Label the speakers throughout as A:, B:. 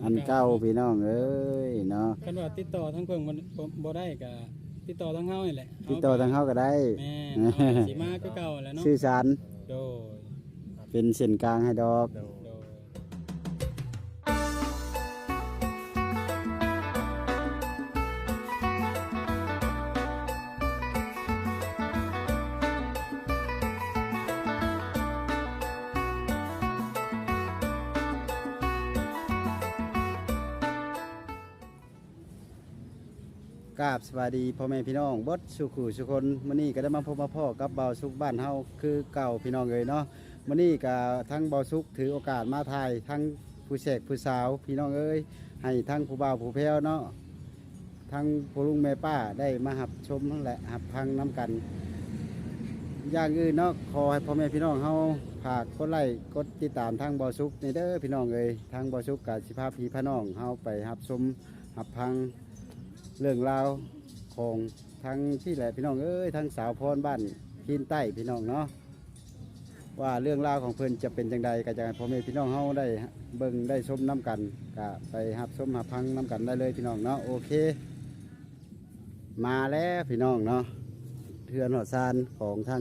A: อันเก่าพี่น้องเอ้ยเนาะ
B: คันว่าติดต่อทั้งเพิ่นบ่ได้ก็ติดต่อทั้งเฮานี่แหละ
A: ติดต่อทางเฮาก็ได้
B: แม่นสิมาคือเก่าแหล้วเนาะ
A: สื่อสาร
B: โดย
A: เป็นเส้นกลางให้ดอก
B: โดย
A: กราบสวัสดีพ่อแม่พี่น้องเบิดสุขุสุคนมื้อนี้ก็ได้มาพบมาพ่อกับเบาสุกบ้านเฮาคือเก่าพี่น้องเอ้ยเนาะมื้อนี้ก็ทั้งเบาสุกถือโอกาสมาถ่ายทั้งผู้แขกผู้สาวพี่น้องเอ้ยให้ทั้งผู้บ่าวผู้แพ้วเนาะทั้งพ่อลุงแม่ป้าได้มาหับชมทั้งแหละหับพังน้ำกันอย่างอื่นเนาะขอให้พ่อแม่พี่น้องเฮาฝากกดไลค์กดติดตามทางเบาสุกในเด้อพี่น้องเอ้ยทางเบาสุกกับสิพาพี่พาน้องเฮาไปหับชมหับพังเรื่องราวของทั้งที่แหละพี่น้องเอ้ยทั้งสาวพรบ้านพินใต้พี่น้องเนาะว่าเรื่องราวของเพิ่นจะเป็นจังใดก็จะให้พ่อแม่พี่น้องเฮาได้เบิ่งได้ชมน้ำกันก็ไปหับชมหับพังน้ำกันได้เลยพี่น้องเนาะโอเคมาแล้วพี่น้องเนาะเทือนหัวซานของทั้ง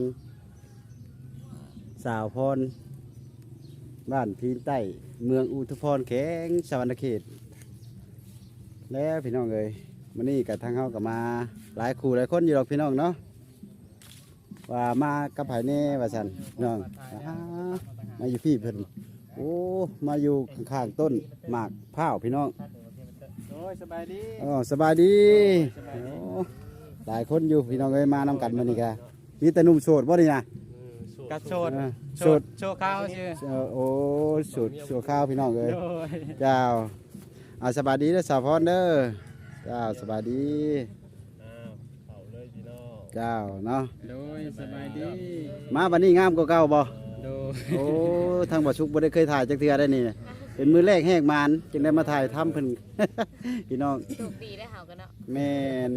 A: สาวพรบ้านพินใต้เมืองอุทุพรแข็งสวรรณเขตแล้วพี่น้องเอ้ยวันนี้กับทางเขากับมาหลายคู่หลายคนอยู่หรอกพี่น้องเนาะว่ามากับไผ่เน่ว่าสันน้องมาอยู่พี่เพิ่นโอ้มาอยู่ข้างๆต้นหมากพร้าวพี่น้อง
B: โอ้ยสบายดี
A: อ๋อสบายดีโอ้หลายคนอยู่พี่น้องเอ้ยมานำกันมานี่กะมีแต่หนุ่มโสดบ่นี่นะ
B: กระโสด
A: โสด
B: โชว์ข้าวชื่อ
A: โอ้โสดข้าวพี่น้องเอ้ยเจ้าสบายดีเด้อสาวพรเด้อเจ้าสบายดี
C: เขาเลยพี่น้อง
A: เจ้าเนาะ
B: โดยสบายดี
A: มาบัดนี้งามกว่าเก่าบ่
B: โดย
A: โอ้ทางบ่ชุกบ่ได้เคยถ่ายจักเทื่อได้นี่เป็นมือแรกแหกมานจึงได้มาถ่ายทำเพิ่น พี่น้อง
D: โชคดีได้เฮากันเนาะ
A: แม่น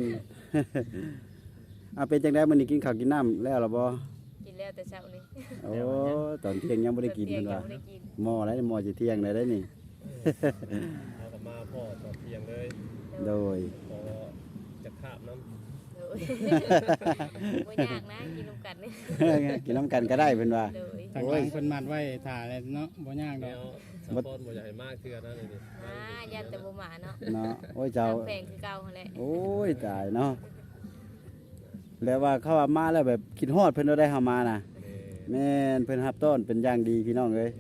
A: เป็นจังได๋มื้อนี้กินข้าวกินน้ำแล้วล่ะบ่
D: กินแล้วแต่เช้านี้
A: โอ้ตอนเที่ยงยังบ่ได้กินเพิ่นว่าหม้ออะไรหม้อสิเที่ยงได้นี่
C: เอากลับมาพ่อตอนเที่ยงเลย
A: โดย
C: พอจะคาบน้ำ
D: โดยบ่ยากนะกินนำกันนี่
A: กินน้ำกันก็ได้เพิ่นว่า
B: ทางหลังเพิ่นมัดไว้ถ่าแล้วเนาะบ่ยากดอก
C: สะพอนบ่ใหญ่มากเทื่อนั่นนี่
D: ยันแต่บ่มาเนาะ
A: เนาะโอ้ยเจ้า
D: แพงคือเก่าหั่นแหละ
A: โอ้ยตายเนาะแล้วว่าเขาว่ามาแล้วแบบคิดฮอดเพิ่นได้เฮามาน่ะแม่นเพิ่นรับต้อนเป็นอย่างดีพี่น้องเอ้ย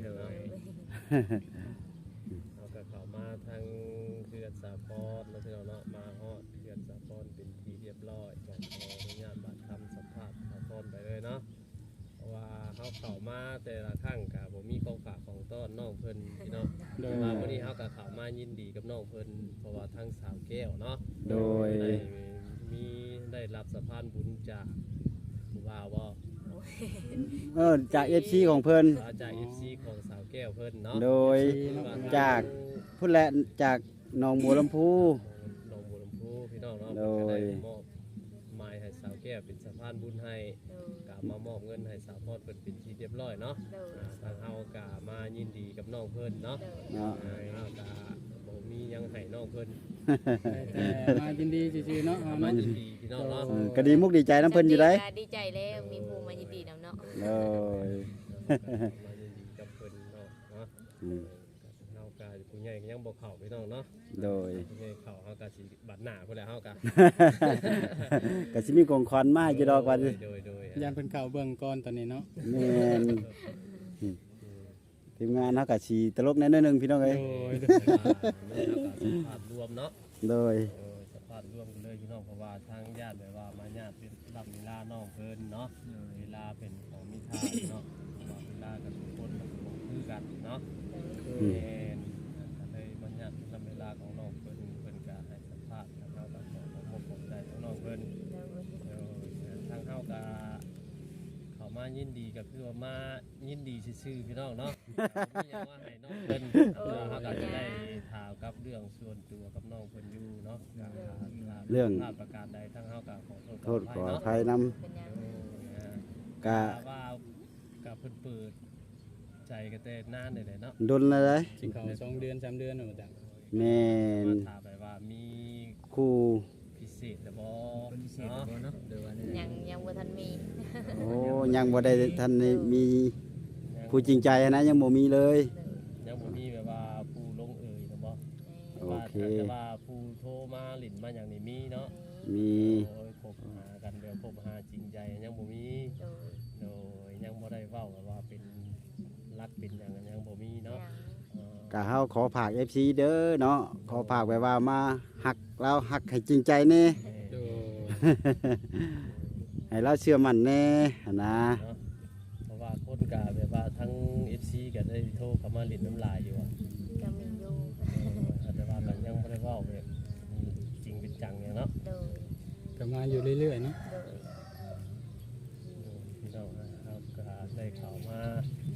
C: เอากับเขามาทางเขื่อนสาพรแล้วพี่น้องเนาะมาฮอดเขื่อนสาพรเป็นที่เรียบร้อยขออนุญาตบัตรทำสัมภาษณ์สาพรไปเลยเนาะเพราะว่าเขาเข้ามาแต่ละครั้งก็บ่มีของฝากของต้อนน้องเพิ่นพี่น้องมาวันนี้เขาก็เข้ามายินดีกับน้องเพิ่นเพราะว่าทั้งสาวแก้วเนาะ
A: โดย
C: ได้รับสะพานบุญจากผู้บ่าวบ่
A: จาก FC ของเพิ่น
C: จาก FC ของสาวแก้วเพิ่นเนาะ
A: โดยจากพุ่นแหละจากหนองบัวลำพู
C: หนองบัวลำพูพี่น้องเนาะ
A: โดย
C: มอบไม้ให้สาวแก้วเป็นสะพานบุญให้กะมามอบเงินให้สาวพอดเพิ่นเป็นที่เรียบร้อยเนาะทางเฮากะมายินดีกับน้องเพิ่นเนาะเฮากะบ่มียังให้น้องเพิ่น
B: แต่มายินดีซื่อๆเนาะ
C: มายินดีพี่น้องเนาะ
A: ก็ดีมุกดีใจน้ำเพิ่นอยู่ได้
D: ดีใจแล้วมีผู้มายินดีนำเนาะ
A: โดย
C: มายินดีกับเพิ่นเนาะเฮากะผู้ใหญ่ก็ยังบ่เข้าพี่น้องเนาะ
A: โดย
C: ผู้ใหญ่เข้าเฮากะสิบัดหน้าพุ่นแหละเฮากะ
A: ก็สิมีของขวัญมาอยู่ดอกว่า
C: โดย
B: ยานเพิ่นเข้าเบิ่งก่อนตอนนี้เนาะ
A: แม่นทีมงานเฮาก็สิตลกแน่นึงพี่น้องเอ้ย
C: ภาพรวมเนาะ
A: โดย
C: สภาพรวมกันเลยพี่น้องเพราะว่าทางญาติแบบว่ามาญาติเป็นรับเวลาน้องเพิ่นเนาะเวลาเป็นของมีค่าเนาะเวลากับทุกคนมันก็คือกันเนาะเลยมาญาติรับเวลาของน้องเพิ่นก็ให้สัมภาษณ์ทางเฮาก็ขอบใจน้องเพิ่นทางเฮาก็เขามายินดีก็คือว่ามายินดีซื่อๆพี่น้องเนาะไม่อยากว่าให้น้องเพิ่นเขาก็จะได้ถามกับเรื่องส่วนตัวกับน้องเพิ่นอยู่เนาะ
A: เรื่อง
C: ประกาศใดทั้งเฮาก็ขอ
A: โทษขออภัยนำกะ
C: ว่ากับเพิ่นเปิดใจกันแต่นานเลยเนาะ
A: ดนอะไร
B: สิเขา2 เดือน 3 เดือนเนาะจ้ะ
A: แม่น
C: ถามไปว่ามี
A: ครู
C: พิเศษหรือบ่
E: คนพิเศษบ่เนาะเดี๋ยวว่าเนี่ย
D: ยังบ่ทันมี
A: โอ้ยังบ่ได้ทันได้มีผู้จริงใจนะยังบ่มีเลย
C: ยังบ่มีแบบว่าผู้ลงเอยนะบ่
A: โอเค
C: แต่ว่าผู้โทรมาหลินมาอย่างนี้มีเนาะ
A: มี
C: โอ้ยพบหากันเดี๋ยวพบหาจริงใจยังบ่มี
D: โดย
C: โดยยังบ่ได้เว้าแบบว่าเป็นรักเป็นหยังยังบ่มีเนาะ
D: ยัง
C: เออ
A: ก็เฮาขอฝาก FC เด้อเนาะขอฝากไว้ว่ามาฮักเราฮักให้จริงใจแน่
B: โดย
A: ให้เราเชื่อมั่นแน่หั่นนะ
C: เนาะเพราะว่าคนก็แบบว่าทั้ง FC ก็ได้โทรเข้ามาหลินน้ำลายอยู่อะ
D: ก็มีอยู่
C: แต่ว่ามันยังบ่ได้เว้าแบบจริงเป็นจังอย่างเนาะ
D: โดย
B: ก็มาอยู่เรื่อยๆเนาะ
D: โดย
C: พี่น้องนะครับก็ได้ข่าวมา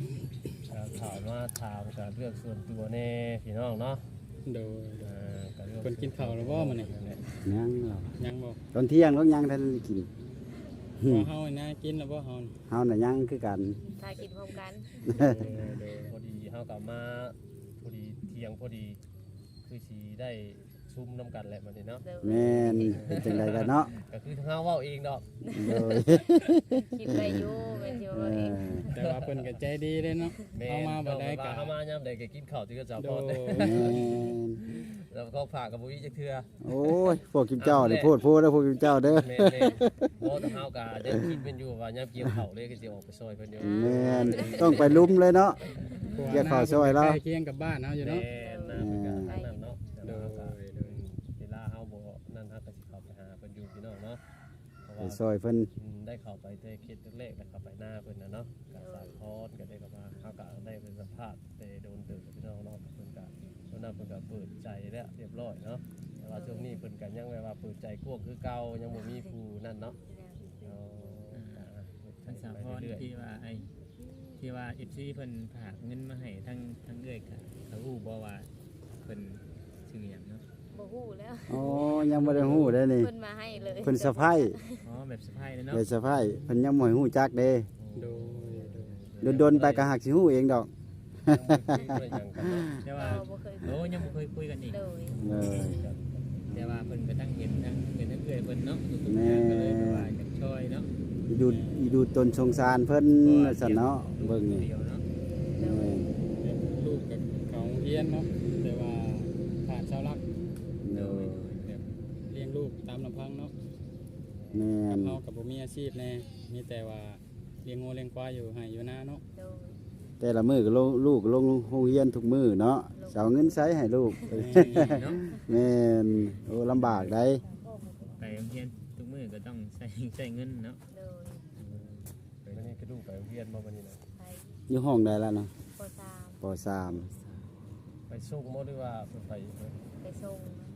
C: ถามกับเรื่องส่วนตัวแน่พี่น้องเนาะ
B: โดย
C: กับเรื่อง
B: เพิ่นกินข้าวแล้วบ่มื้อนี้
A: ยังเรา
B: ยังบ่
A: ตอนเที่ยงก็ยังทันได้กิน
B: บ่เฮานะกินแล้วบ่เฮานี่
A: เฮาน่ะยังคือกัน
D: ถ้ากินพร้อมกัน
C: โดยพอดีเฮากลับมาพอดีเที่ยงพอดีคือสิได้ซุ่มน้ำกันแหละมันนี่เนาะ
D: โดย
A: แม่นเป็นจังไดกันเนาะ
C: ก็คือเฮาเว้าเองดอก
A: โดย
D: คิดไปอยู่แม่นอยู่
A: เอ
D: ว่าเอง
A: อ
B: แต่ว่าเพิ่นก็ใจดีเด้เนาะ
C: แม่
B: เอามาบ่ได้
C: ก็
B: ก็
C: เฮามายามใดก็กินข้าวที่ก็จะ
B: โด
C: พอด
B: ย
A: แม่น
C: แล้วก็ฝากกับบ่มีจักเทื่อ
A: โอ้ยพวกกิมเจ้านี่พูดเด้อพวกกิมเจ้าเด้อ
C: แม่นๆบ่แต่เฮาก็ยังคิดเป็นอยู่ว่ายามเกี่ยวข้าวเลยก็สิออกไปซอยเพิ่นอยู่
A: แม่นต้องไปลุ้มเลยเนาะ เกี่ยวข้าวซอยเรา
B: ใกล้เคียงกับบ้านเฮาอยู่
C: แม่
B: เนาะ
C: นนะเพิ่นก็ทางนั้นเนาะแต่
B: โด
C: ว่าย เฮาก็เวลาเฮาบ่นั่นเฮาก็สิเข้าไปหาเพิ่นอยู่พี่น้องเนาะเพราะ
A: ไป
C: ว่า
A: ซอยเพิ่น
C: ได้เข้าไปแต่เขตแรกๆแล้วเข้าไปหน้าเพิ่นน่ะเนาะก็สร้างพรก็ได้เข้ามาเฮาก็ได้เป็นสัมภาษณ์แต่โดนเติบกับพี่น้องเนาะเพิ่นก็ตอนนั้นเพิ่นก็เปิดใจแล้วเรียบร้อยเนาะแต่ว่าช่วงนี้เพิ่นก็ยังแบบว่าเปิดใจกว้างคือเก่ายังบ่มีผู้นั่นเนาะเอาก็
E: ทั้งสามพร
C: เรื่อย
E: ที่ว่าที่ว่า FC เพิ่นฝากเงินมาให้ทั้งเอื้อยก็เขาฮู้บ่ว่าเพิ่นชื่อหยังเนาะ
D: บ่ฮู้แล้ว
A: อ๋อยังบ่ได้ฮู้เด้อนี่
D: เพิ่นมาให้เลย
A: เพิ่นสะไพรส์
E: อ๋อแบบสะพายเลยเนาะ
A: เด้สะไพรส์เพิ่นยังบ่ให้ฮู้จักเด้
B: โดย
A: โดนๆไปก็หักสิฮู้เองดอก
C: ยังบ่คุยกันเนาะ
E: แต่ว่า
D: บ่เคย
E: โอ้ยังบ่เคยคุยกันอีก
D: โดย
A: เออ
E: แต่ว่าเพิ่นก็ตั้งเห็นทั้งเอื้อยเพิ่นเนาะอยู่ตรง
A: แม่
E: นั้นก็เลยแบบว่าอยากช่วยเนาะ
A: อีดูตนสงสารเพิ่นซั่นเนาะเบิ่งนี่
E: เดียวเนาะ
A: แม่น
B: ลูกกับเขาเรียนเนาะแต่ว่าขาดเสาหลัก
A: โดย
B: แบบเลี้ยงลูกตามลำพังเนาะ
A: แม่น
B: เฮากับบ่มีอาชีพแน่มีแต่ว่าเลี้ยงงูเลี้ยงควายอยู่ให้อยู่นาเนาะ
D: โดย
A: แต่ละมื้อก็ลูกลงโรงเรียนทุกมื้อเนาะสิเอาเงินใช้ให้ลูก
E: เนาะ
A: แม่นโอ้ลำบากได้
E: ไปโรงเรียนทุกมื้อก็ต้องใช้เงินเนาะ
D: โดย
C: วันนี้ก็ดูไปโรงเรียนมาวันนี้นะ
D: ไป
A: อยู่ห้องใดแล้วเนาะ
D: ปสาม
A: ป .3
C: ไปส่งหมดหรือว่าเพิ่นไปเพิ่น
D: ไปส่ง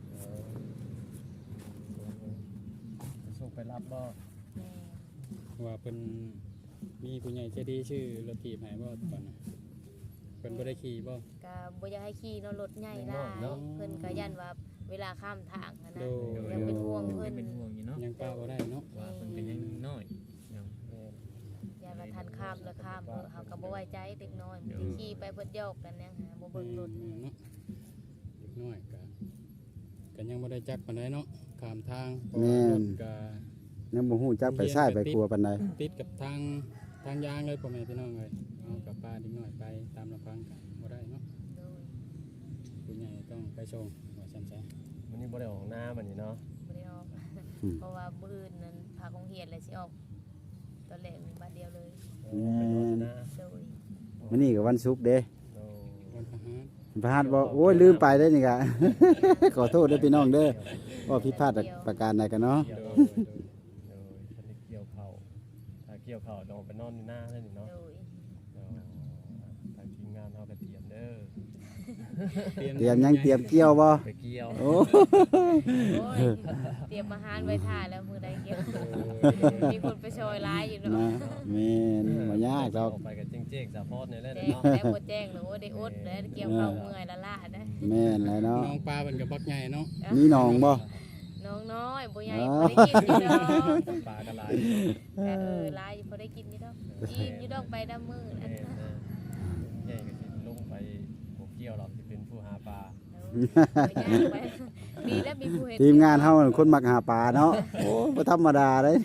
C: ไปส่งไปรับบ่
D: แม่
B: ว่าเพิ่นมีผู้ใหญ่ใจดีชื่อรถถีบให้บ่ตอนน่ะเพิ่นบ่ได้ขี่บ่
D: ก็บ่อยากให้ขี่เนาะรถใหญ่หลายเพิ่นก็ยันว่าเวลาข้ามทางอะนะ
B: โดย
D: ยังเป็นห่วงเพิ่น
E: เป็นห่วงอยู่เนาะ
B: ยังป้าบ่ได้เนาะ
E: ว่าเพิ่นก็ยังน้อยเนาะ
D: ยันว่าทันข้ามแล้วข้ามเฮาก็บ่ไว้ใจเด็กน้อยมันสิขี่ไปเพิ่นโยกกันยังหาบ่เบิ่งรถ
B: เนาะเด็กน้อยก็ยังบ่ได้จักปานใดเนาะข้ามทางเพราะว่ารถก็
A: ยังบ่ฮู้จักไปซ้ายไปขวาปานใด
B: ติดกับทางยางเลยพ่อแม่พี่น้องเลยเอากับป้าเด็กน้อยไปตามลำพังกันบ่ได้เนาะ
D: โดย
B: ผู้ใหญ่ต้องไปส่งว่าซั่นซะ
C: วันนี้บ่ได้ออกหน้ามันนี่เนาะ
D: บ่ได้ออก เพราะว่ามื้ออื่นนั้นพาของเฮียนเลยสิออกตอนแรกนี่บัดเดียวเลย
C: ไปนอนหน้า
D: โดย
A: มื้อนี้ก็วันศุกร์เด้
C: โอ้
B: วันพฤหัส
A: พระหัสบ่โอ้ยลืมไปได้นี่กะ ขอโทษเด้อพี่น้องเด้อว่าผิดพลาดประการใดกันเนาะ
C: เกี่ยวโดยทันได้เกี่ยวเข่าถ้าเกี่ยวเข่าต้องไปนอนในหน้าเลยนี่เนาะ
D: โดย
C: ทางทีมงานเฮาก็เตรียมเด้อ
A: เตรียมยังเตรียมเกี่ยวบ่
C: ไปเกี่ยว
A: โอ้
D: โอ้ยเตรียมอาหารไว้ท่าแล้วมื้อใดเกี่ยวมีคนไปซอยหลายอยู่
A: นะ
D: เนาะ
A: แม่นบ่ยากดอก
C: ออกไปกับเจ๊งๆสะพอดนี่แหละ
D: แจ้ง
C: เนาะ
D: แต่บ่แจ้งหรือว่าได้อดแล้วเกี่ยวเข้าเมื่อยละล่าได้
A: แม่นแล้วเนาะ
B: น้องปลาเป็นกับบักใหญ่เนาะ
A: มีน้องบ่
D: น้องน้อยบ่ใหญ่
A: อ๋อ
D: บ่ได้กินอยู่ดอก
C: ปลากระไร
D: แต่ลายอยู่บ่ได้กินอยู่ดอกอิ่มอยู่ดอกไปดำมื้อนั่น
C: ใหญ่ก็สิลงไปบ่เกี่ยวหรอกสิเป็นผู้หาปลา
A: แ
D: ย่างไปดีแล้วมีผู้เห็น
A: ทีมงานเฮาน่ะคนมักหาปลาเนาะโอ้บ่ธรรมดาเด้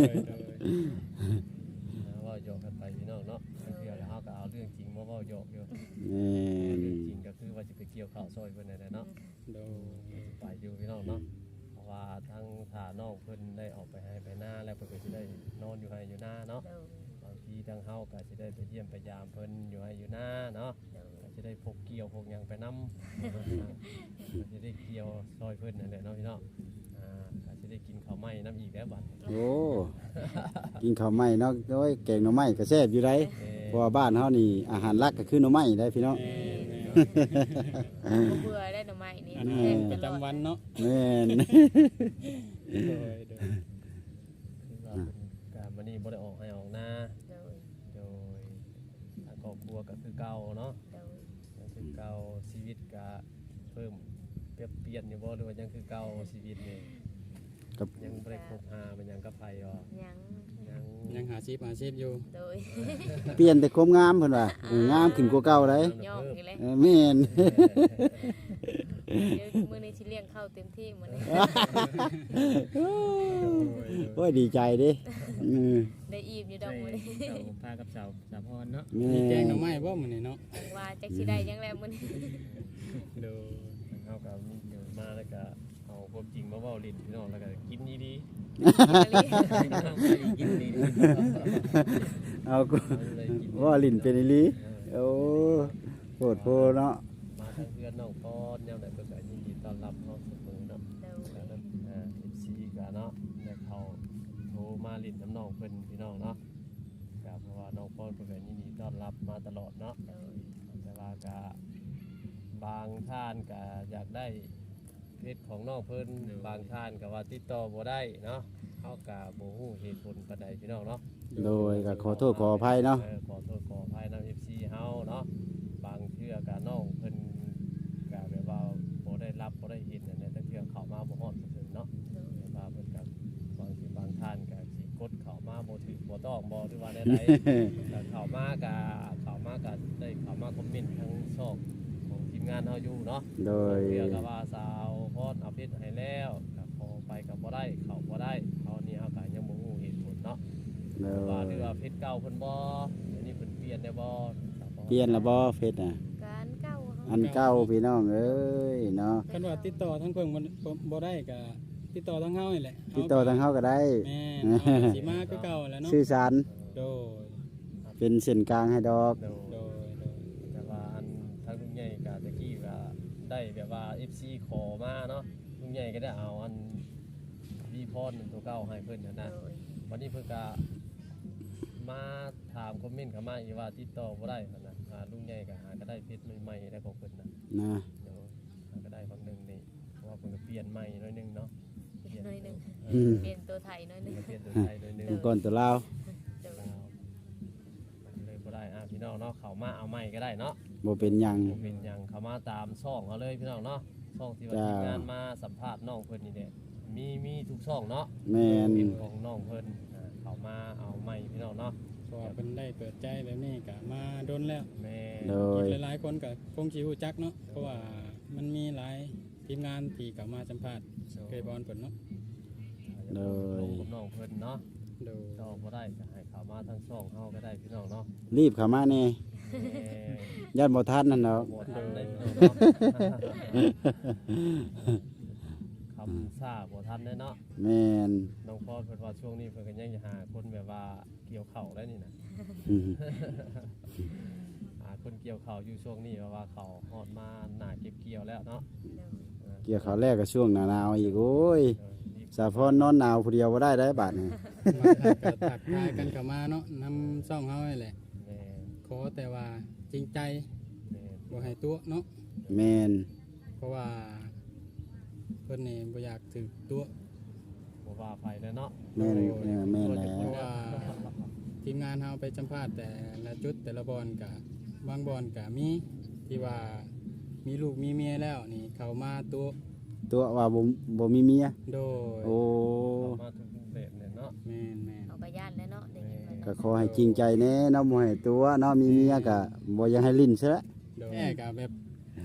C: ว่าโยกกันไปพี่น้องเนาะเพื่อแล้วเฮาก็เอาเรื่องจริงมาเว้าโยกอยู่
A: แม่น
C: เรื่องจริงก็คือว่าสิไปเกี่ยวข้าวซอยเพิ่นนั่นแหละเนาะ
B: โดย
C: ไปอยู่พี่น้องเนาะเพราะว่าทั้งถ้าน้องเพิ่นได้ออกไปให้ไปหน้าแล้วเพิ่นก็สิได้นอนอยู่ให้อยู่หน้าเนาะ
D: โดย
C: บางทีทางเฮาก็สิได้ไปเยี่ยมไปยามเพิ่นอยู่ให้อยู่หน้าเนาะ
D: โดย
C: ก็สิได้พกเกี่ยวพกหยังไปนํก็สิได้เกี่ยวซอยเพิ่นนั่นแหละเนาะพี่น้องก็สิได้กินข้าวไหม้น้ำอีกแล้วบัด
A: โอ้กินข้าวไหม้เนาะโอ้ยแกงหน่อไม้ก็แซ่บอยู่ได้เพราะว่าบ้านเฮานี่อาหารหลักก็คือหน่อไม้ได้พี่น้อง
B: แม่
D: บ่เบื่อได้หน่อไม้นี่
B: อัน
D: แซ่
B: นี้
D: บ
B: ป
D: ต
B: ระ
D: ลอด
B: จำวันเนาะ
A: แม่น
B: โดย
C: คือว่าเพิ่นก็มื้อนี้บ่ได้ออกให้ออกหน้า
D: โดย
C: โดยทางครอบครัวก็คือเก่าเนาะ
D: โดย
C: ยังคือเก่าชีวิตก็เพิ่มเปลี่ยนอยู่บ่หรือว่ายังคือเก่าชีวิตนี่
A: กับ
C: ยังบ่ได้คบหามันยังกับไผอ๋อ
D: ยัง
C: ยัง
B: ยังหาชีพอยู่
D: โดย
A: เปลี่ยนแต่ความงามเพิ่นว่าเอองามขึ้นกว่าเก่าได้
D: ย่องอีกแล้ว
A: แม่น
D: เดี๋ยวมื้อนี้สิเลี้ยงข้าวเต็มที่มื้อนี้
A: โอ้ยดีใจเดิ
D: ได้อิ่มอยู่ดอกมื้อนี้
E: เจ้าพากับสาวพรเนาะ
B: มีแกงหน่อไม้บ่มื้อนี้เนาะ
D: ว่าจักสิได้ยังแล้วมื้อนี้
B: โดย
C: เฮาก็มีอยู่มาแล้วก็เอาความจริงมาเว้าลิ้นพี่น้องแล้วก็กินดี
E: กินดี
A: เอากู
C: ๆเลยกิน
A: ว่าลิ้นเป็นอีหลีโอ้โคตรโพเนาะ
C: มาทางเพื่อนน้องพรยามใดเพิ่นก็ยินดีต้อนรับเฮาเสมอเนาะ
D: โดย
C: ก็นั้นFC ก็เนาะได้เข้าโทรมาลิ้นน้ำน้องเพิ่นพี่น้องเนาะก็เพราะว่าน้องพรเพิ่นก็ยินดีต้อนรับมาตลอดเนาะ
D: โดย
C: แต่ว่าก็บางท่านก็อยากได้เพชรของน้องเพิ่นบางท่านก็ว่าติดต่อบ่ได้เนาะเฮาก็บ่ฮู้เหตุผลปานใดพี่น้องเนาะ
A: โดยก็ขอโทษขออภัยเนาะ
C: ขอโทษขออภัยนำ FC เฮาเนาะบางเทื่อก็น้องเพิ่นก็แบบว่าบ่ได้รับบ่ได้เห็นอันนี้แต่เทื่อเข้ามาบ่ฮอดซื่อๆเนาะ
D: โดย
C: แบบว่าเพิ่นก็บางทีบางท่านก็สิกดเข้ามาบ่ถูกบ่ต้องบ่หรือว่าใดๆ แต่เข้ามาก็ได้เข้ามาคอมเมนต์ทั้งช่องของทีมงานเฮาอยู่เนาะ
A: โดย
C: เพื่อกับว่าสาวพอดเอาเพชรให้แล้วก็พอไปก็บ่ได้เข้าบ่ได้เขานี่เฮาก็ยังบ่ฮู้เหตุผลเนาะ
A: โด
C: ว่าหรือย ว่าเพชรเก่าเพิ่นบ่เดี๋ยวนี้เพิ่นเปลี่ยนได้บ่
A: เปลี่ยนละบ่เฟซน่ะ
D: การเก้าเฮา
A: อันเก่าพี่น้องเอ้ยเนาะ
B: คันว่าติดต่อทั้งเพิ่นบ่ได้ก็ติดต่อทั้งเฮานี่แหละ
A: ติดต่อทางเฮาก็ได้
B: แม่นเอาสิมาคือเก่าแหล้วเนาะ
A: สื่อสาร
B: โดย
A: เป็นเส้นกลางให้ดอก
C: โด
B: โดย
C: แต่ว่าอันทางลุงใหญ่ก็ตะกี้ก็ได้แบบว่า FC ขอมาเนาะลุงใหญ่ก็ได้เอาอันวีพรตัวเก่าให้เพิ่นนั่น
D: โด
C: นะ
D: ย
C: วันนี้เพิ่นก็มาถามคอมเมนต์เข้ามาอีกว่าติดต่อบ่ได้หั่นน่ะลุงใหญ่ก็หาก็ได้เพชรใหม่ๆได้ของเพิ่นน่ะ
A: นะ
C: เดี๋ยวหาก็ได้บางหนึงนี่เพราะว่าเพิ่นก็เปลี่ยนใหม่หน่อยหนึงเนาะเปลี่ยน
D: หน่อยหนึง
A: อืม
D: เปลี่ยนตัวไทยหน่อยหนึง
C: เปลี่ยนตัวไทยหน่อยหนึง
A: ตัวก่อนตัวลาว
D: โดย
C: เลยบ่ได้พี่น้องเนาะเข้ามาเอาใหม่ก็ได้เนาะ
A: บ่เป็นหยัง
C: บ่เป็นหยังเข้ามาตามช่องเอาเลยพี่น้องเนาะช่องที่ว่า
A: จ้า
C: ทีมงานมาสัมภาษณ์น้องเพิ่นนี่แหละมีทุกช่องเนาะ
A: แม่น
C: เป็นของน้องเพิ่นเข้ามาเอาใหม่พี่น้องเนาะ
B: เพราะว่าเพิ่นได้เปิดใจแบบนี้ก็มาโดนแล้ว
C: แม่
A: โด
B: อี
A: ย
B: กหลายๆคนก็คงสิรู้จักเนาะเพราะว่ามันมีหลายทีมงานที่เข้ามาสัมภาษณ์เคยบอลเพิ่นเนาะ
A: โดย
C: ลงกับน้องเพิ่นเนาะ
B: โดย
C: จองบ่ได้ก็ให้เข้ามาทางช่องเฮาก็ได้พี่น้องเนาะ
A: รีบเข้ามาแน่
C: แม่
A: ย่านบ่ทันนั่นเนาะ
C: บ่ทันได้พี่น้องเนาะคำซ่าบ่ทันได้เนาะ
A: แม่น
C: น้องพอดเพิ่นว่าช่วงนี้เพิ่นก็ยังจะหาคนแบบว่าเกี่ยวข้าวแล้วนี่นะ
A: อืม
C: หาคนเกี่ยวข้าวอยู่ช่วงนี้เพราะว่าเขาฮอดมาหน้าเก็บเกี่ยวแล้วเนาะ
A: เกี่ยวข้าวแรกก็ช่วงหนาวๆอีกโอ้ย
C: รีบ
A: สาพรนอนหนาวผู้เดียวบ่ได้บาดนี้
B: มาทักทายกันเข้ามาเนาะนำซ่องเฮานี่แหละ
C: แม่
B: ขอแต่ว่าจริงใจ
C: แม่
B: บ่ให้ตัวเนาะ
A: แม่น
B: เพราะว่าเพิ่นนี่บ่อยากถือตัว
C: บ่ว่าไปแล้วเนาะ
A: แม่นแม่นแล้
B: เพ
A: ว
B: ราะว่าทีมงานเฮาไปสัมภาษณ์แต่ละจุดแต่ละบอลกะบางบอลกะมีที่ว่ามีลูกมีเมียแล้วนี่เขามาตัว
A: ตัวว่าบ่มีเมีย
B: โดย
A: โอ้
C: เข้ามาทุกรูปแบบเนี่ยเนาะ
B: แม่นแม่น
D: เอาก็ย่านแล้วเนาะได้ยินมา
A: ก็ขอให้จริงใจแน่เนาะบ่ให้ตัวเนาะมีเมียก็บ่อยากให้ลิ้นซะละ
B: โดยแม่กะแบบ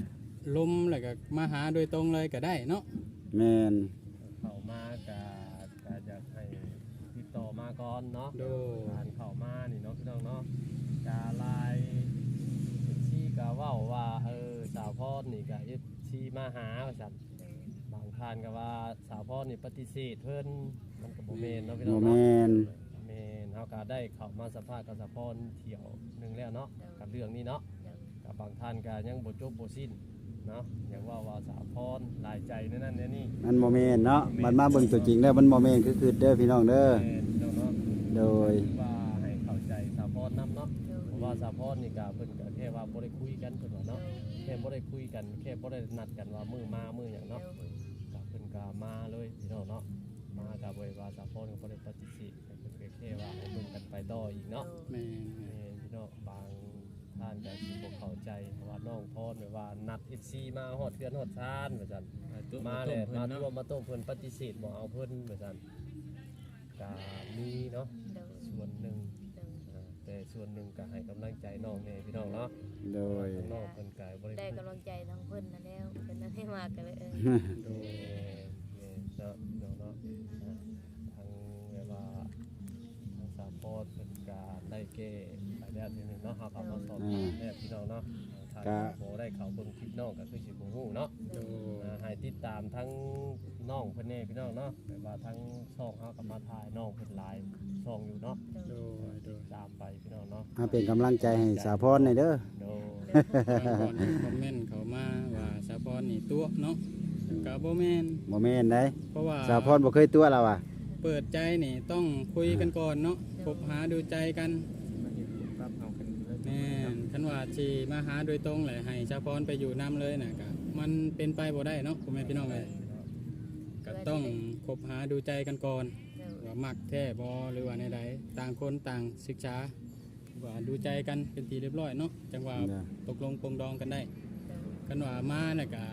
B: ลมแล้วก็มาหาโดยตรงเลยก็ได้เนาะ
A: แม่น
C: เข้ามากะอยากให้ติดต่อมาก่อนเนาะ
B: โดย
C: การเข้ามานี่เนาะพี่น้องเนาะกาลายที่กะเว้าว่าสาวพรนี่กะที่มาหาว่าซั่นบางท่านก็ว่าสาวพรนี่ปฏิเสธเพิ่นมันก็บ่แม่นเนาะพี่น้
A: บ่
C: องเนาะ
A: แม่น
C: แม่นเฮาก็ได้เข้ามาสัมภาษณ์กับสาวพรเที่ยวหนึงแล้วเนาะกับเรื่องนี้เนาะ กับบางท่านก็ยังบ่จบบ่สิ้นเนาะอย่างว่าสาวพรหลายใจนั่นนี่
A: มันบ่แม่นเนาะมันมาเบิ่งตัวจริงแล้วมันบ่แม่นคือเด้อพี่น้องเด้อ
C: แม่นพี่น้องเนาะ
A: โดย
C: ว่าให้เข้าใจสาวพรนํเนาะเพราะว่าสาวพรนี่ก็เพิ่นก็แค่ว่าบ่ได้คุยกันเพิ่นว่าเนาะแค่บ่ได้คุยกันแค่บ่ได้นัดกันว่ามื้อมามื้อหยังเนาะก็เพิ่นก็มาเลยพี่น้องเนาะมาก็บ่ได้ว่าสาวพรก็บ่ได้ปฏิเสธเพิ่นก็แค่ว่าให้เบิ่งกันไปต่ออีกเนาะ
B: แม่น
C: พี่น้องบางท่านก็สิบ่เข้าใจเพราะว่าน้องพรแบบว่านัด FC มาฮอดเทือนฮอดชานว่าซั่นมาแล้วมาตัวมาต้มเพิ่นปฏิเสธบ่เอาเพิ่นว่าซั่นก็มีเนาะส่วนหนึ่งแต่ส่วนหนึ่งก็ให้กำลังใจน้องแน่พี่น้องเนาะ
A: โดย
C: น้องเพิ่นก็บ่ได้
D: ได้กำลังใจทั้งเพิ่นนั่นแล้วเพิ่นนั่นให้มากกันเลย
B: โดย
C: เนาะน้องเนาะทางแบบว่าทางสามปอดเพิ่นก็ได้แก้ไปแล้วทีนึงเนาะเฮาก็มาสอบถามแน่พี่น้องเนาะทางบ่ได้เข้าเบิ่งคลิปน้องก็คือสิบ่ฮู้เนาะ
B: โดย
C: ให้ติดตามทั้งน้องเพิ่นแน่พี่น้องเนาะแบบว่าทั้งช่องเฮาก็มาถ่ายน้องเพิ่นหลายช่องอยู่เนาะ
B: โดยโดย
C: ตามไปพี่น้องเนาะ
A: มาเป็นกำลังใจให้สาวพรหน่อยเด้อ
C: โด
B: บางคนคอมเมนต์เขามาว่าสาวพรนี่ตัวเนาะก็บ่แม่น
A: บ่แม่นได้
B: เพราะว่า
A: สาวพรบ่เคยตัวเราอ่ะ
B: เปิดใจนี่ต้องคุยกันก่อนเนาะคบหาดูใจกัน
E: มาเห็นผลปรับเอากันเลย
B: แม่นคันว่าสิมาหาโดยตรงเลยให้สาวพรไปอยู่นํเลยน่ะก็มันเป็นไปบ่ได้เนาะพ่อแม่พี่น้องเอ้ยก็ต้องคบหาดูใจกันก่อนว่ามักแท้บ่หรือว่าในใดต่างคนต่างศึกษาว่าดูใจกันเป็นทีเรียบร้อยเนาะจังว่า
A: เด้อ
B: ตกลงปลงดองกันได้กันว่ามาน่ะก็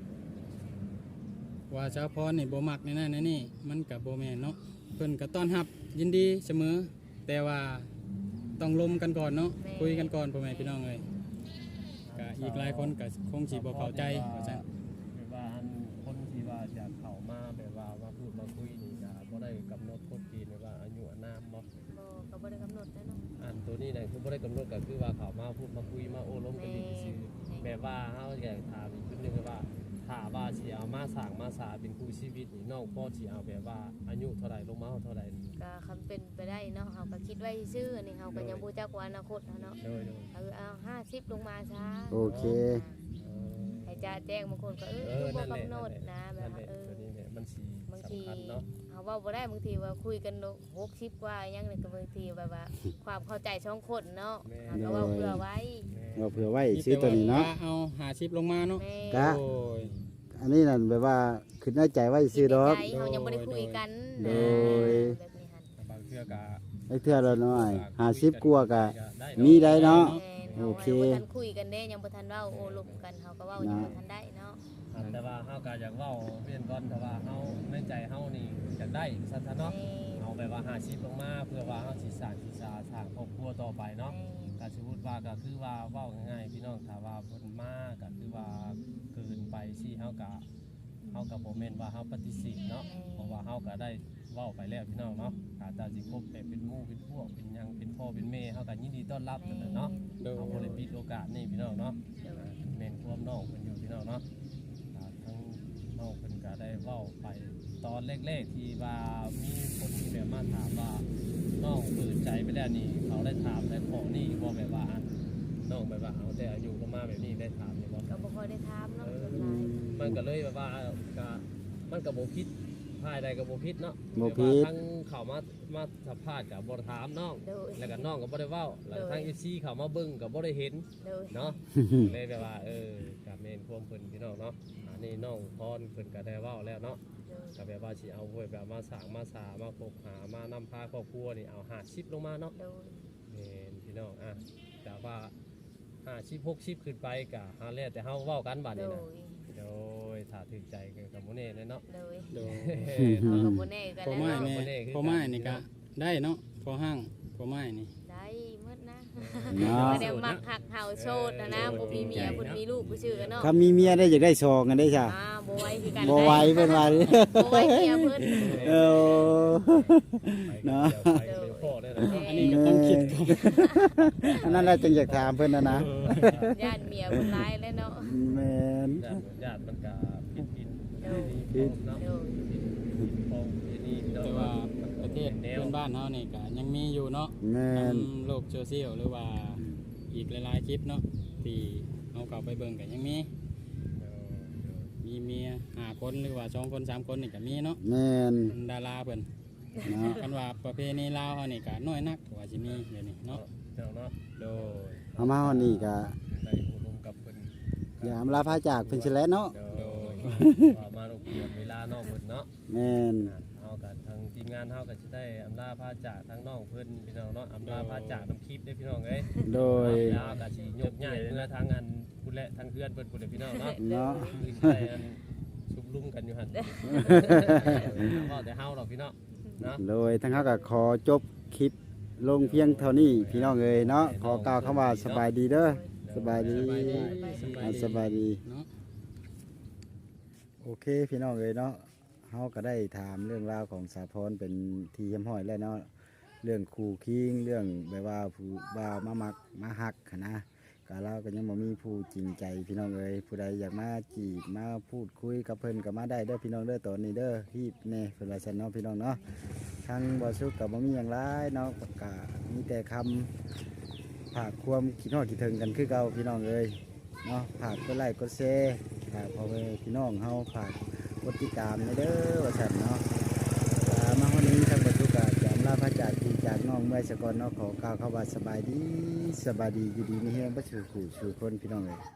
B: ว่าสาวพรนี่บ่มักในนั้นในนี่มันก็บ่แม่นเนาะเพิ่นก็ต้อนรับยินดีเสมอ แต่ว่าต้องลมกันก่อนเนาะคุยกันก่อนพ่อแม่พี่น้องเอ้ยก็อีกหลายคนก็คงสิบ่เข้าใจว่าซั่น
C: แบบว่าอันคนที่ว่าจะเข้ามาแบบว่ามาพูดมาคุยนี่ก็บ่ได้กำหนดกฎเกณฑ์แบบว่าอายุอานามบ่
D: ก็บ่ได้กำหนดนะเนาะ
C: อันตัวนี้เนี่ยคือบ่ได้กำหนดก็คือว่าเข้ามาพูดมาคุยมาโอ้ล้มกันดีซื่อแบบว่าเฮาอยากถามอีกจุดหนึงก็ว่าถ้าว่าสิเอามาสร้างมาสาเป็นคู่ชีวิตนี่น้องพ่อสิเอาแบบว่าอายุเท่าไหร่ลงมาเท่าไหร่
D: ก็คำเป็นไปได้เนาะเฮาก็คิดไว้ซื่อๆนี่เฮาก็ยังบ่จักว่าอนาคตเนาะ
C: โดย
D: เอา50ลงมาซะ
A: โอเค
D: ให้จ้าแจ้งบางคนก็คือบ่กำหนดนะแบบว่า
C: ตัวนี้เนี่ยมันสิ
D: บาง
C: สำ
D: ที
C: คัญเนาะ
D: เฮาเว้าบ่ได้บางทีว่าคุยกัน60กว่ายังนี่ก็บางทีแบบว่าความเข้าใจช่องคนเนาะเฮาก็เว้าเพื่อไว้
A: เราเผื่อไว้ซื้อตัวนี้เนาะ
B: เอา50ลงมาเนาะ
D: แม่
A: กะ
B: โอ้ย
A: อันนี้นั่นแบบว่าขึ้นในใจไว้ซื้อดอก
D: ใจเฮายังบ่ได้คุยกัน
A: โด
D: นะ
A: ย
D: แบบนี้หั่น
C: บางเทื่อก็
A: ไอ้เทื่อละน้อย50กว่าก็มีได้เนาะ โอเค
D: บ่ทันคุยกันเด้ยังบ่ทันเว้าโอ้ลมกันเฮาก็เว้ายังบ่ทันได้เนาะ
C: แต่ว่าเฮาก็อยากเว้าเรียนก่อนแต่ว่าเฮาในใจเฮานี่อยากได้ซั่นเนาะเอาแบบว่า50ลงมาเพื่อว่าเฮาสิสร้างสร้างครอบครัวต่อไปเนาะ ก็สมมุติว่าก็คือว่าเว้าง่ายๆพี่น้องถ้าว่าเพิ่นมาก็คือว่าเกินไปสิเฮาก็บ่แม่นว่าเฮาปฏิเสธเนาะเพราะว่าเฮาก็ได้เว้าไปแล้วพี่น้องเนาะถ้าตาสิคบแบบเป็นหมู่เป็นพวกเป็นหยังเป็นพ่อเป็นแม่เฮาก็ยินดีต้อนรับนั่นแหละเนาะ
B: โดย
C: เฮาบ่ได้ปิดโอกาสนี่พี่น้องเนาะแม่นความน้องเพิ่นอยู่พี่น้องเนาะทั้งน้องเพิ่นก็ได้เว้าไปตอนแรกๆที่ว่ามีคนที่แบบมาถามว่าน้องเปิดใจไปแล้วนี่เขาได้ถามได้ขอนี่บ่แบบว่าอันน้องแบบว่าเอาแต่อายุลงมาแบบนี้ได้ถามนี่บ่
D: ก็บ่ค่อยได้ถามเนาะ
C: มันก็เลยแบบว่าก็มันก็บ่ผิดภายใดก็บ่ผิดเนาะ
A: บ่ผิด
C: แบบว่าทั้งเข้ามาสัมภาษณ์ก็บ่ถามน้อง
D: โดย
C: แล้วก็น้องก็บ่ได้เว้าแล้วทั้ง FC เข้ามาเบิ่งก็บ่ได้เห็น
D: โดย
C: เนาะ เลยแบบว่ากับเมนความเพิ่นพี่น้องเนาะอันนี้น้องพรเพิ่นก็ได้เว้าแล้วเนาะก็แบบว่าสิเอาไว้แบบมาสร้างมาสามาคบหามานำพาครอบครัวนี่เอา50ลงมาเนาะ
D: โดย
C: แม่นพี่น้องแต่ว่า50 60ขึ้นไปก็หาแล้วแต่เฮาเว้ากันบัด
D: โด
C: นี้
D: ย
C: นะโดยถ้าถึกใจกันกับบ่แน่เลยเนาะ
D: โดย
B: โดย
D: เราก็บ่แน่กัน
B: พอ
D: แล้ว
B: ไม้
D: เนาะ
B: นี่พอไม้นี่ก็ได้เนาะพอห้างพอไม้นี่
D: ได้หมดนะ
A: เนาะ
D: บ่ได้มักหักเฮาโสดนะบ่มีเมียบ่มีลูกบ่ชื่อเนาะ
A: ถ้ามีเมียได้อยากได้ซองกันได้จ้ะ
D: บ่ไหวคือกัน
A: บ่ไหวเพิ่นว่า
D: บ่ไหวเมียเพิ่น
A: เออเนาะ
C: ไปเป็นพ่อได้เลย
B: อันนี้ก็ต้องคิดก่อน
A: อันนั้นเราจึงอยากถามเพิ่นนะ
D: ญาติเมียเพิ่นหลายแล้วเนาะ
A: แม่น
C: ญาติมันก็ผิด
D: โดย
C: เนาะ
D: โดย
C: พองที่นี่
B: แต่ว่าประเทศเพื่อนบ้านเฮานี่ก็ยังมีอยู่เนาะ
A: แม่น
B: ทำโลกโซเชียลหรือว่าอีกหลายๆคลิปเนาะที่เอาเข้าไปเบิ่งก็ยังมีเมีย5คนหรือว่า2คน3คนนี่ก็มีเนาะ
A: แม่น
B: เป็นดาราเพิ่น
A: เนาะ
B: กันว่าประเพณีลาวเฮานี่ก็น้อยนักว่าสิมีเดี๋ยวนี้เนาะ
C: เจ้าเนาะ
B: โดย
A: เอามาฮอดนี่ก็
C: ไปอบรมกับเพิ่น
A: อย่าอำลาพาจากเพิ่นสิแหล้วเนาะ
C: เดี๋ยวว่ามาโรงเรียนเวลานอกเพิ่นเนาะ
A: แม่น
C: เฮากับทางทีมงานเฮาก็สิได้อำลาพาจากทางน้องเพิ่นพี่น้องเนาะอำลาพาจากน้ำคลิปได้พี่น้องเอ้ย
A: โดย
C: แล้วก็สิยกใหญ่เมื่อทางอันผู้และทางเพื่อนเพิ่นผู้และพี่น้องเนาะ
A: เนาะ
C: คือสิได้อันชุบลุ่มกันอยู่หั่นก็แต่เฮาหรอกพี่น้องเนาะ
A: โดยทั้งเขาก็ขอจบคลิปลงเพียงเท่านี้พี่น้องเอ้ยเนาะขอกล่าวคำว่าสบายดีเด้อสบายดี
B: สบายดี
A: สบายดี
B: เนาะ
A: โอเคพี่น้องเอ้ยเนาะเฮาก็ได้ถามเรื่องราวของสาพรเป็นทีเยี่ยมห้อยแล้วเนาะเรื่องคู่คิงเรื่องแบบว่าผู้บ่าวมามักมาหักหั้นนะก็เราก็ยังบ่มีผู้จริงใจพี่น้องเอ้ยผู้ใดอยากมาจีบมาพูดคุยกับเพิ่นก็มาได้เด้อพี่น้องเด้อตอนนี้เด้อที่แน่เพิ่นว่าซั่นเนาะพี่น้องเนาะทางบ่สุกก็บ่มีหยังหลายเนาะก็มีแต่คำ ฝากความคิดฮอดคิดถึงกันคือเก่าพี่น้องเอ้ยเนาะฝากกดไลค์กดแชร์ฝากพ่อแม่พี่น้องเฮาฝากกดติดตามในเด้อว่าซั่นเนาะมาวันนี้ทางบรรทุกก็จะอำลาพระจากพี่จากน้องเมื่อยสกอนเนาะขอกล่าวคำว่าสบายดีอยู่ดีมีแฮงบ่สู่ผู้สู่คนพี่น้องเอ้ย